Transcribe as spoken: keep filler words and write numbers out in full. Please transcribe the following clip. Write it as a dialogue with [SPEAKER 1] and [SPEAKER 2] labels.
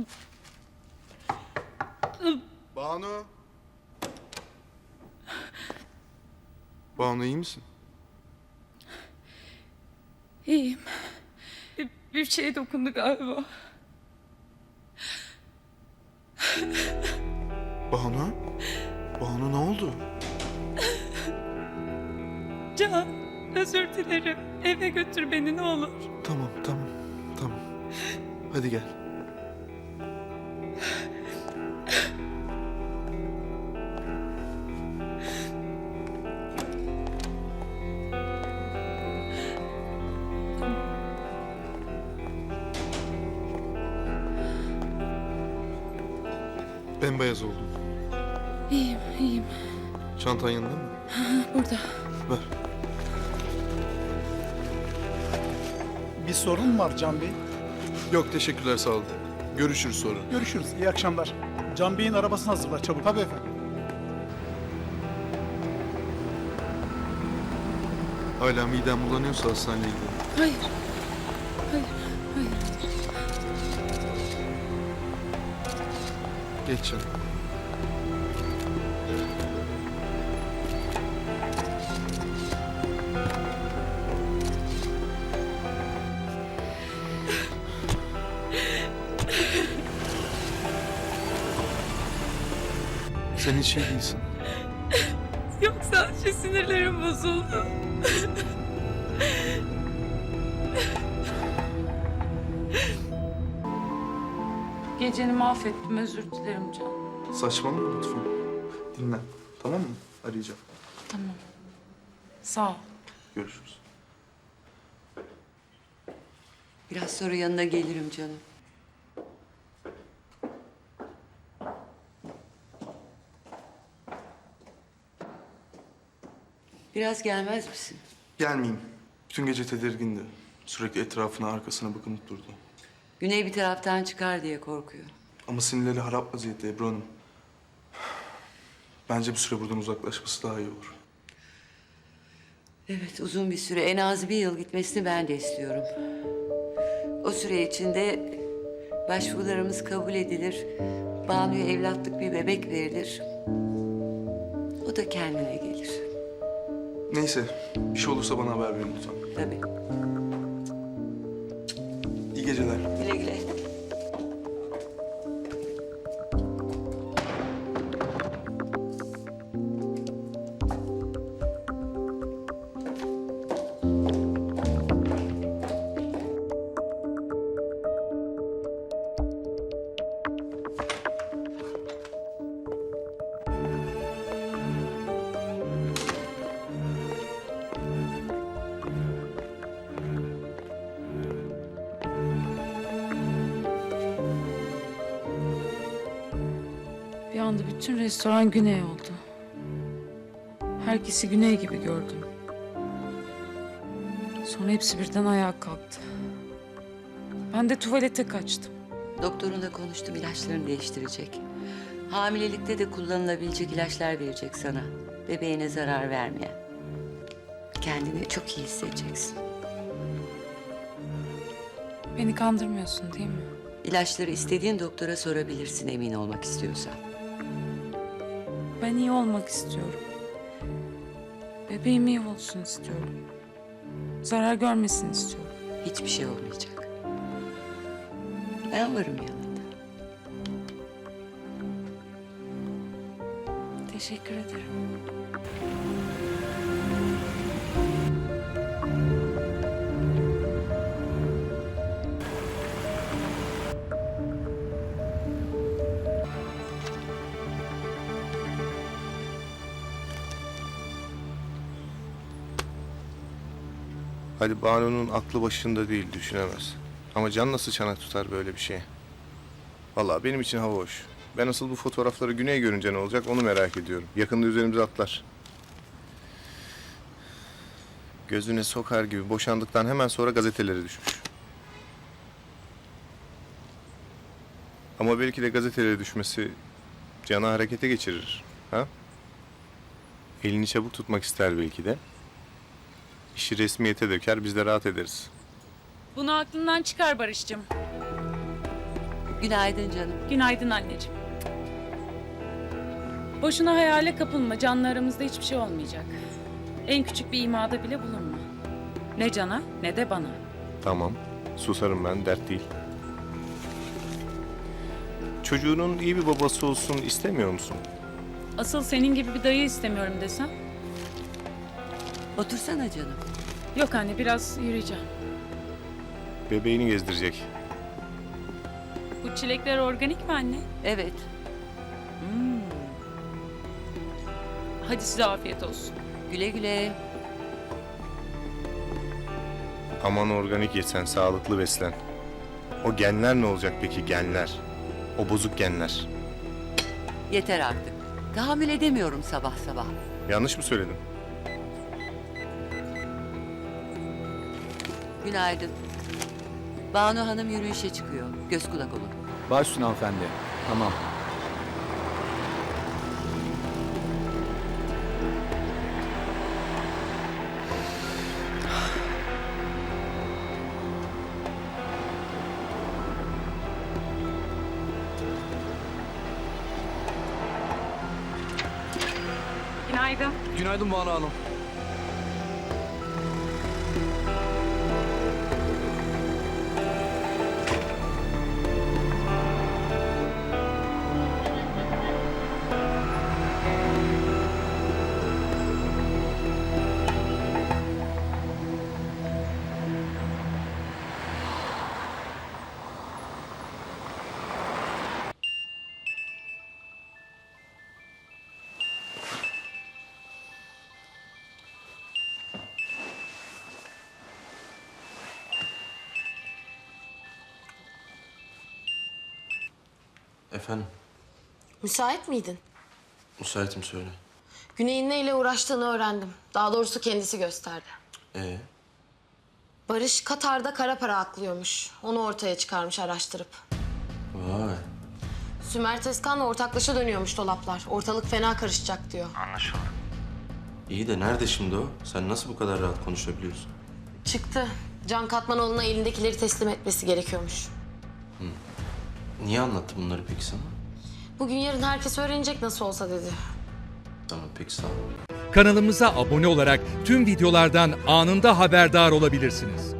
[SPEAKER 1] Banu. Banu iyi misin?
[SPEAKER 2] İyiyim. Bir, bir şey dokundu galiba.
[SPEAKER 1] Banu? Banu ne oldu?
[SPEAKER 2] Can, özür dilerim. Eve götür beni ne olur.
[SPEAKER 1] Tamam tamam tamam. Hadi gel. Bembeyaz oldun.
[SPEAKER 2] İyiyim, iyiyim.
[SPEAKER 1] Çantan yanında mı?
[SPEAKER 2] Burada.
[SPEAKER 1] Ver.
[SPEAKER 3] Bir sorun mu var Can Bey?
[SPEAKER 1] Yok teşekkürler sağ olun. Görüşürüz sonra.
[SPEAKER 3] Görüşürüz. İyi akşamlar. Can Bey'in arabasını hazırla çabuk. Tabii efendim.
[SPEAKER 1] Hala midem bulanıyorsa hastaneye gidelim.
[SPEAKER 2] Hayır. Hayır, hayır.
[SPEAKER 1] Geç canım. Sen hiç iyi değilsin.
[SPEAKER 2] Yok sadece sinirlerim bozuldu. Geceni mahvettim, özür dilerim Can.
[SPEAKER 1] Saçmalama lütfen. Dinlen. Tamam mı? Arayacağım.
[SPEAKER 2] Tamam. Sağ ol.
[SPEAKER 1] Görüşürüz.
[SPEAKER 4] Biraz sonra yanına gelirim canım. Biraz gelmez misin?
[SPEAKER 1] Gelmeyeyim. Bütün gece tedirgindi. Sürekli etrafına, arkasına bakınıp durdu.
[SPEAKER 4] Güney bir taraftan çıkar diye korkuyor.
[SPEAKER 1] Ama sinirleri harap vaziyette Ebru Hanım. Bence bir süre buradan uzaklaşması daha iyi olur.
[SPEAKER 4] Evet, uzun bir süre, en az bir yıl gitmesini ben de istiyorum. O süre içinde başvurularımız kabul edilir. Banu'ya evlatlık bir bebek verilir. O da kendine gelir.
[SPEAKER 1] Neyse, bir şey olursa bana haber verin lütfen.
[SPEAKER 4] Tabii.
[SPEAKER 1] İyi geceler.
[SPEAKER 4] Güle güle.
[SPEAKER 2] Bir anda bütün restoran Güney oldu. Herkesi Güney gibi gördüm. Sonra hepsi birden ayağa kalktı. Ben de tuvalete kaçtım.
[SPEAKER 4] Doktorunla konuştum, ilaçlarını değiştirecek. Hamilelikte de kullanılabilecek ilaçlar verecek sana. Bebeğine zarar vermeyen. Kendini çok iyi hissedeceksin.
[SPEAKER 2] Beni kandırmıyorsun değil mi?
[SPEAKER 4] İlaçları istediğin doktora sorabilirsin emin olmak istiyorsan.
[SPEAKER 2] Ben iyi olmak istiyorum. Bebeğim iyi olsun istiyorum. Zarar görmesin istiyorum.
[SPEAKER 4] Hiçbir şey olmayacak. Ben varım yanında.
[SPEAKER 2] Teşekkür ederim.
[SPEAKER 5] Hadi Banu'nun aklı başında değil, düşünemez. Ama can nasıl çanak tutar böyle bir şeye? Vallahi benim için hava hoş. Ben asıl bu fotoğrafları Güney görünce ne olacak onu merak ediyorum. Yakında üzerimize atlar. Gözüne sokar gibi boşandıktan hemen sonra gazetelere düşmüş. Ama belki de gazetelere düşmesi canı harekete geçirir. Ha? Elini çabuk tutmak ister belki de. İşi resmiyete döker, biz de rahat ederiz.
[SPEAKER 2] Bunu aklından çıkar Barış'cığım.
[SPEAKER 4] Günaydın canım.
[SPEAKER 2] Günaydın anneciğim. Boşuna hayale kapılma. Can'la aramızda hiçbir şey olmayacak. En küçük bir imada bile bulunma. Ne Can'a ne de bana.
[SPEAKER 5] Tamam. Susarım ben. Dert değil. Çocuğunun iyi bir babası olsun istemiyor musun?
[SPEAKER 2] Asıl senin gibi bir dayı istemiyorum desem.
[SPEAKER 4] Otursana canım.
[SPEAKER 2] Yok anne, biraz yürüyeceğim.
[SPEAKER 5] Bebeğini gezdirecek.
[SPEAKER 2] Bu çilekler organik mi anne?
[SPEAKER 4] Evet.
[SPEAKER 2] Hadi size afiyet olsun.
[SPEAKER 4] Güle güle.
[SPEAKER 5] Aman organik yesen, sağlıklı beslen. O genler ne olacak peki, genler? O bozuk genler.
[SPEAKER 4] Yeter artık. Tahammül edemiyorum sabah sabah.
[SPEAKER 5] Yanlış mı söyledim?
[SPEAKER 4] Günaydın. Banu Hanım yürüyüşe çıkıyor. Göz kulak olun.
[SPEAKER 6] Baş üstüne hanımefendi. Tamam.
[SPEAKER 2] Günaydın.
[SPEAKER 6] Günaydın Banu Hanım.
[SPEAKER 7] Efendim,
[SPEAKER 8] Müsait miydin?
[SPEAKER 7] müsaitim söyle.
[SPEAKER 8] Güney'in neyle uğraştığını öğrendim. Daha doğrusu kendisi gösterdi.
[SPEAKER 7] Ee,
[SPEAKER 8] Barış Katar'da kara para aklıyormuş. Onu ortaya çıkarmış araştırıp.
[SPEAKER 7] vay.
[SPEAKER 8] Sümer Tezkan'la ortaklaşa dönüyormuş dolaplar. Ortalık fena karışacak diyor.
[SPEAKER 7] İyi de nerede şimdi o? Sen nasıl bu kadar rahat konuşabiliyorsun?
[SPEAKER 8] Çıktı. Can Katmanoğlu'na elindekileri teslim etmesi gerekiyormuş.
[SPEAKER 7] Niye anlattı bunları peki sana?
[SPEAKER 8] Bugün yarın herkes öğrenecek nasıl olsa dedi.
[SPEAKER 7] Tamam, peki sağ ol.
[SPEAKER 9] Kanalımıza abone olarak tüm videolardan anında haberdar olabilirsiniz.